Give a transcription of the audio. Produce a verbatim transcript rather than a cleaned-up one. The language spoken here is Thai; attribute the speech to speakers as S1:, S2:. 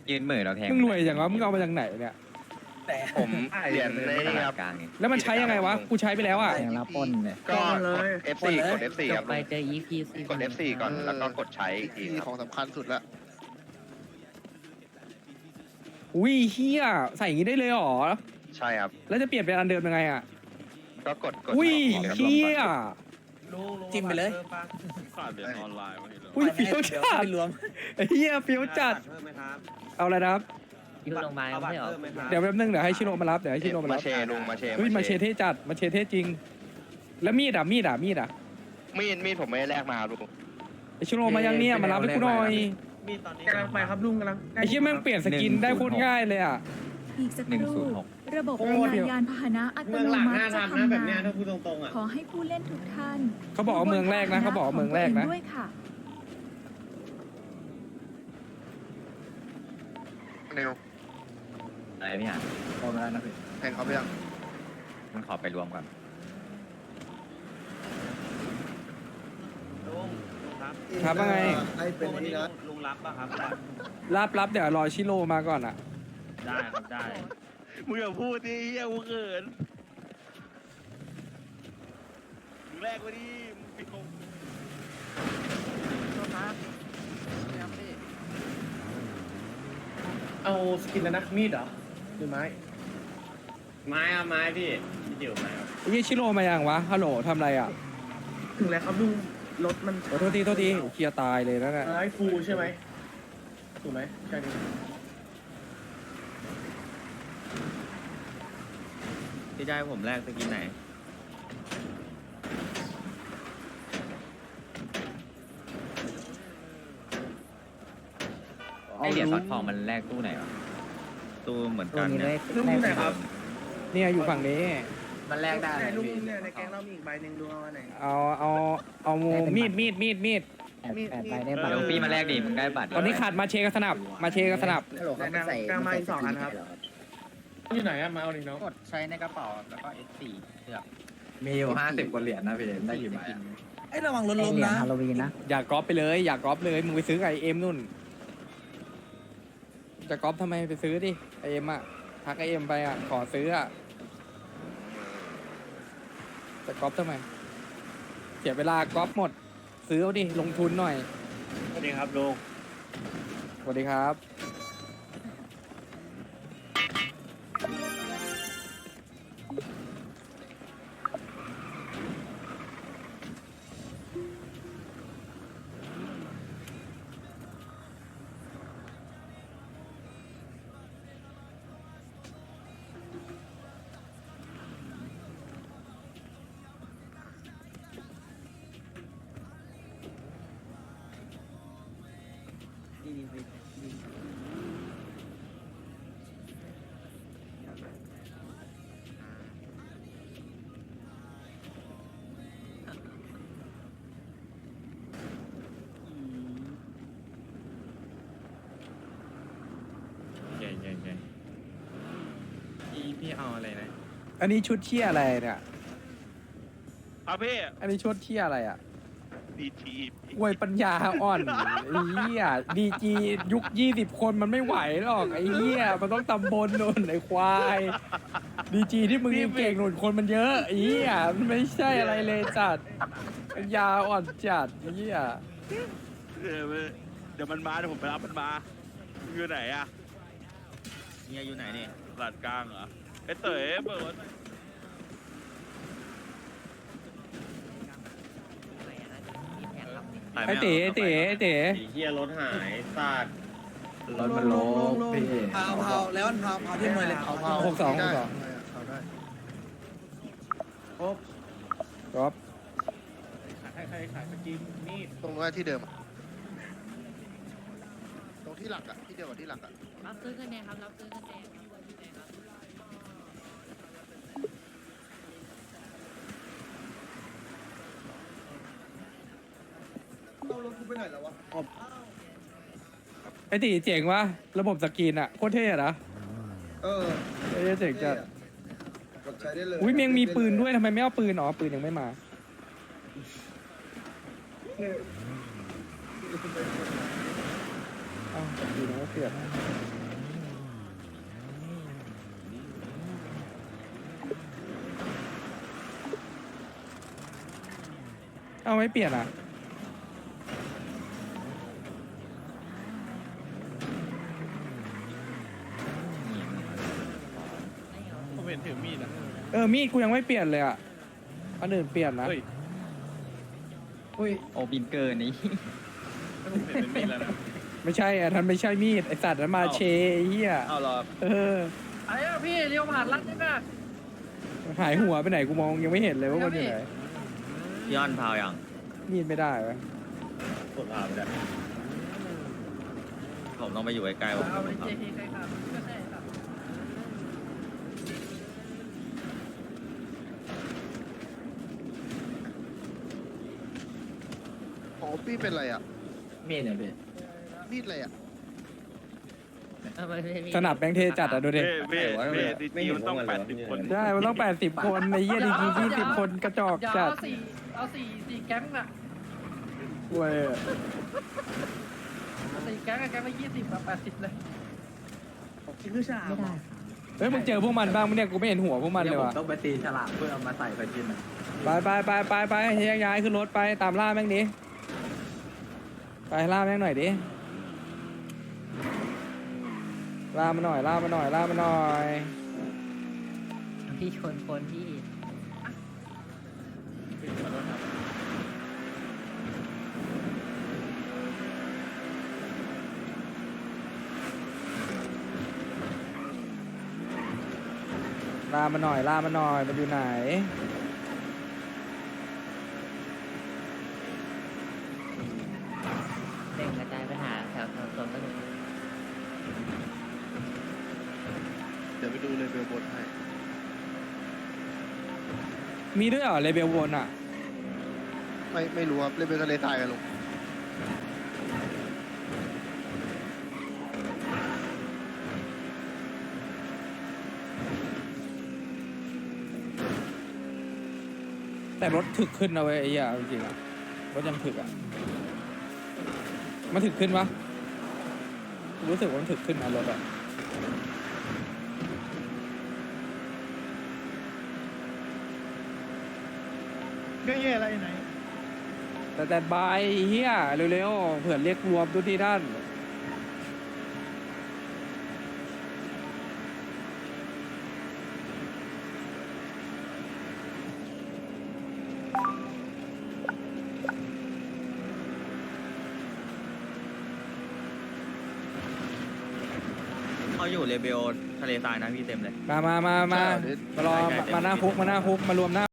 S1: ยืนเหม่อเราแทง
S2: มึงรวยอย่างวะมึงเอามาจากไหนเนี่ย
S3: ผมเหรียญใน
S1: ต
S3: นี่
S1: ลา
S3: ครั
S1: ด
S3: บ
S1: กลางไง
S2: แล้วมันใช้ยังไงวะกูใช้ไปแล้วอ่ะ
S4: แทงรับปล้นเนี่ย
S3: ก็กด เอฟ ซี กด เอฟ ซี ครับ
S4: ไปเจอ อี พี ซี
S3: กด เอฟ ซี ก่อนแล้วก็กดใช้อีกที
S5: ที่
S3: ค
S5: ข
S3: รั
S5: อบ งสำคัญสุดละ
S2: อุ้ยเฮียใส่อย่างงี้ได้เลยเหรอ
S3: ใช่ครับ
S2: แล้วจะเปลี่ยนเป็นอันเดิมยังไงอ่ะ
S3: ก็กดกด
S2: อุ้ย
S3: ครับ
S2: เฮีย
S6: จิ้มไปเลย
S7: ขาดเหรียญออนไลน์มาทีละ
S2: อุ้ยเฟี้ยวจัด
S6: รวม
S2: เฮียเฟี้ยวจัด
S7: เพิ่มไหมครับ
S2: เอาอะไรนะครับ
S4: อยู่โรงพยาบาลไม่เหรอ
S7: เพิ่มไหมครับ
S2: เดี๋ยวแป๊บนึงเดี๋ยวให้ชิโร่มารับเดี๋ยวให้ชิโร่มา
S3: มา
S2: รับ
S3: เชลุงมาเช
S2: เฮ้ยมาเชเท่จัดมาเชเท่จริง แล้วมีดอ่ะมีดอ่ะมีดอ่ะ
S3: มีดมีดผมไม่ได้แลกมาครับลุง
S2: ไอชิโร่มายังเนี่ยมารับให้กูหน่อย
S7: มีตอนนี้
S6: กำลังไปครับลุงกำลัง
S2: ไอเชี่ยแม่งเปลี่ยนสกินได้โคตรง่ายเลยอ่ะ
S8: อีกสัก
S1: ห
S8: ค
S1: นึ่ง
S8: รู่
S1: ศูนย์หก
S8: ระบบ
S2: โอ้
S8: ราย
S2: เดี๋
S8: งาน
S2: ยว
S8: ยานพาหนะอัต
S6: เมื
S8: โน
S6: องหลัง
S8: มั
S6: หน้า
S8: ติจะ
S6: ทำนะ
S8: ทำ
S6: แบบเนี้ย
S8: งาน
S6: ถ้าพูดตรงๆอ่ะ
S8: ขอให้ผู้เล่นทุกท่าน
S2: เขาบอกว่าเมืองแรกนะเขาบอกว่าเมืองแรกนะ
S8: ด้วยค่ะ
S5: เร็ว
S1: อะไรพี่หาน
S4: โอนมาแล้วนะพี่
S5: แทงเขาไปยัง
S1: มันขอไปรวมก่อน
S7: ลุงลุงครับ
S2: ครับว่าไง
S5: ให้เป็น
S7: วัน
S5: นี่
S7: นี้
S5: นะ
S7: ลุงรับป่ะครับ
S2: รับรับเดี๋ยวรอชิโร่มาก่อนอ่ะ
S7: ได้ครับได้มึงอย่าพูดดิเฮียกูเขินมึงแรกมาดิมึงปิดกง
S6: เอาสกินแล้วนะมีดเหรอหรือไม้ไม้อะไม้พี่พี่เดี่ยวไม้ครับ
S2: ไอ้เหี้ยชิโร่มายังวะฮัลโหลทำอะไรอ่ะ
S6: ถึงแล้วครับลุงรถมัน
S2: โอ้โทษทีโทษทีเคลียร์ตายเลยนะเนี่ย
S6: ไม้ฟูใช่ไหมถูกไหมใช่ดิ
S1: พี่ได้ผมแรกสกินไหนไอเหรียญซอสทองมันแรกตู้ไหนวะตู้เหมือน
S4: ตัว
S1: กัน
S4: นี้
S1: เนี่
S4: เลย ข
S6: ลุงอยู่ไหนครับ
S2: เนี่ยอยู่ฝั่งนี้
S4: มันแลกได้
S6: ไหนลุงเนี่ยในแก๊งเรามีอีกใบหนึ่งดูเอาอันไหน
S2: เอาเอาเอามีดมีดมีดมีด
S4: แปดแปดใบได้บัตร
S1: เดี๋ยวพี่มาแรกดิมึงได้บัตร
S2: ตอนนี้ขาดมาเชกับสนับมาเชกับสนับ
S4: ฮัลโหลเขาไม่ใส่
S6: กลางมาอีกสองอันครับ อยู่ไหนอะมาเอาหนึ่งน้อง
S1: กดใช้ในกระเป๋าแล้วก็ เอส สี่เลือก
S4: มีอยู่ห้าสิบกว่าเหรียญนะพี่ได้กี่ใบ
S6: ไอ้ระวังรถ
S4: เห
S6: ล้ม
S4: รียญ
S6: นะ
S4: ฮาโลวีนนะ
S2: อย่ากรอบไปเลย อย่ากรอบเลยมึงไปซื้อไอเอ็มนู่นจะกรอบทำไมไปซื้อดิไอเอ็มอ่ะทักไอเอ็มไปอ่ะขอซื้ออ่ะจะกรอบทำไมเสียเวลากรอบหมด ซื้อเอาดิลงทุนหน่อย
S7: สวัสดีครับลุง
S2: สวัสดีครับ
S1: เก่งเก่งเก่งพี่พี่เอาอะไรนะ
S2: อันนี้ชุดเชี่ยอะไรเนี่ย
S7: ครับพี่
S2: อันนี้ชุดเชี่ยอะไรอ่ะ
S7: ดีที
S2: อวยปัญญาอ่อนไอ้เหี้ยดีจียุคยี่สิบคนมันไม่ไหวหรอกไอ้เหี้ยมันต้องตำบลนุ่นไอ้ควายดีจีที่มึงเก่งหนุนคนมันเยอะไอ้เหี้ยมันไม่ใช่อะไรเลยจัดปัญญาอ่อนจัดไอ้เหี้ย
S7: เดี๋ยวเดี๋ยวมันมาเดี๋ยวผมไปรับมันมามึงอยู่ไหนอะ
S1: เฮียอยู่ไหนนี่
S7: ตลาดกลางเหรอไอ้เต๋อเบิร์ด
S2: ไอ้เต๋ไอ้เต๋ไอ้เต๋
S6: เฮียรถหายซาด
S4: รถมันโลบพี่
S6: เผาเผาแล้วเผาเผาที่มือเลยเผาเผา
S2: หกสองหกสอง
S5: เอาได้
S6: ครบ
S2: ครับ
S6: ใครใครขายสกินมีด
S5: ตรงนู้นที่เดิมอะตรงที่หลักอ่ะที่เดียวกับที่หลักอ่ะ
S4: รับซื้อกันแน่ครับรับซื้อกันแน่ครับ
S5: เอารถกูไปไหนแล้ววะ
S2: ไอ้ตีเจ๋งวะระบบสกรีนอะโคตรเท่อะนะ
S5: เออ
S2: ไอ้เหี้ยเจ๋งจัด
S5: กดใช้ได้เลย
S2: อุ้ยเมียงมีปืนด้วยทำไมไม่เอาปืนอ๋อปืนยังไม่มา อ้าวดีนะเปลี่ยนเอาไม่เปลี่ยนอ่ะ
S7: ผมเห็นถือมีดอ่ะ
S2: เออ มีดกูยังไม่เปลี่ยนเลยอ่ะ อันอื่นเปลี่ยนนะ
S7: เฮ้ย
S4: อุ้ย
S1: โอบินเกอร์นี่
S7: ผมเห็นเป็นมีดแล้วนะ
S2: ไม่ใช่อ่ะท่านไม่ใช่มีด ไอสัตว์นั้นมาเชไอ้เหี้ย
S7: เอาเหรอ
S2: เออ
S6: อะไรอ่ะพี่เลี้ยวผ่านรัดนี่นะ
S2: หายหัวไปไหนกูมองยังไม่เห็นเลยว่ามันอยู่ไหน
S1: พี่อ้อนพาวยัง
S2: มีดไม่ได้วะ
S7: ผมถามได้
S1: ผมต้องไปอยู่ใกล้ๆผม
S6: เอาไปเจทีใครครับก็ใช่ครับ
S5: อ๋อพี่เป็นอะไรอ่ะ
S4: มีดเนี่ยพี่
S5: มีดอะไรอ่ะ
S2: สนับแบงค์เทจัดอ่ะดูดิ
S7: เว่เว่ดีจีมันต้องแปดสิบคน
S2: ใช่ มันต้องแปดสิบคนในเยี่ยดีกียี่สิบคนกระจอก
S6: เดี๋ยว
S2: จัด
S6: เอาสี่เอาสี่สี่แก๊งน่ะ
S2: เว้ย
S6: เอาสี่แก๊งอะแก๊งละยี่สิบกับแปดสิบเลย
S2: เฮ้ยมึงเจอพวกมันบ้างมั้ยเนี่ยกูไม่เห็นหัวพวกมัน
S4: เดี๋
S2: เลย ยว
S4: ผม
S2: ว่ะ
S4: ต้องไปตีฉลามเพื่อเอามาใส่ไปกินอ่ะ
S2: ไปไปไปไปไปแยกย้ายขึ้นรถไปตามล่าแม่งดิไปล่าแม่งหน่อยดิล่ามาหน่อยล่ามาหน่อยล่ามาหน่อย
S4: พี่ชนคนพี่
S2: ล่ามาหน่อยล่ามาหน่อยมันอยู่ไหน
S4: เร่งกระจายไปหาแถวแถวโซนตลก
S5: เดี๋ยวไปดูเลยเบลบนให้
S2: มีด้วยเหรอเลเบลวนอ่ะ
S5: ไม่ไม่รู้ครับเล่นเป็นทะเลทรายกันลง
S2: แต่รถถึกขึ้นนะเว้ยไอ้เหี้ยจริงๆอะรถยังถึกอ่ะมันถึกขึ้นปะรู้สึกว่ามันถึกขึ้นนะรถอ่ะ
S6: ก็แย่อะไรไหน
S2: แต่แต่บายเฮียเร็วๆเผื่อเรียกรวมทุกที่ท่าน
S1: เขาอยู่เลเบลทะเลทรายนะพี่เต็มเลย
S2: มามามามา มารอ มามาหน้าคุก มาหน้าคุก มารวมหน้า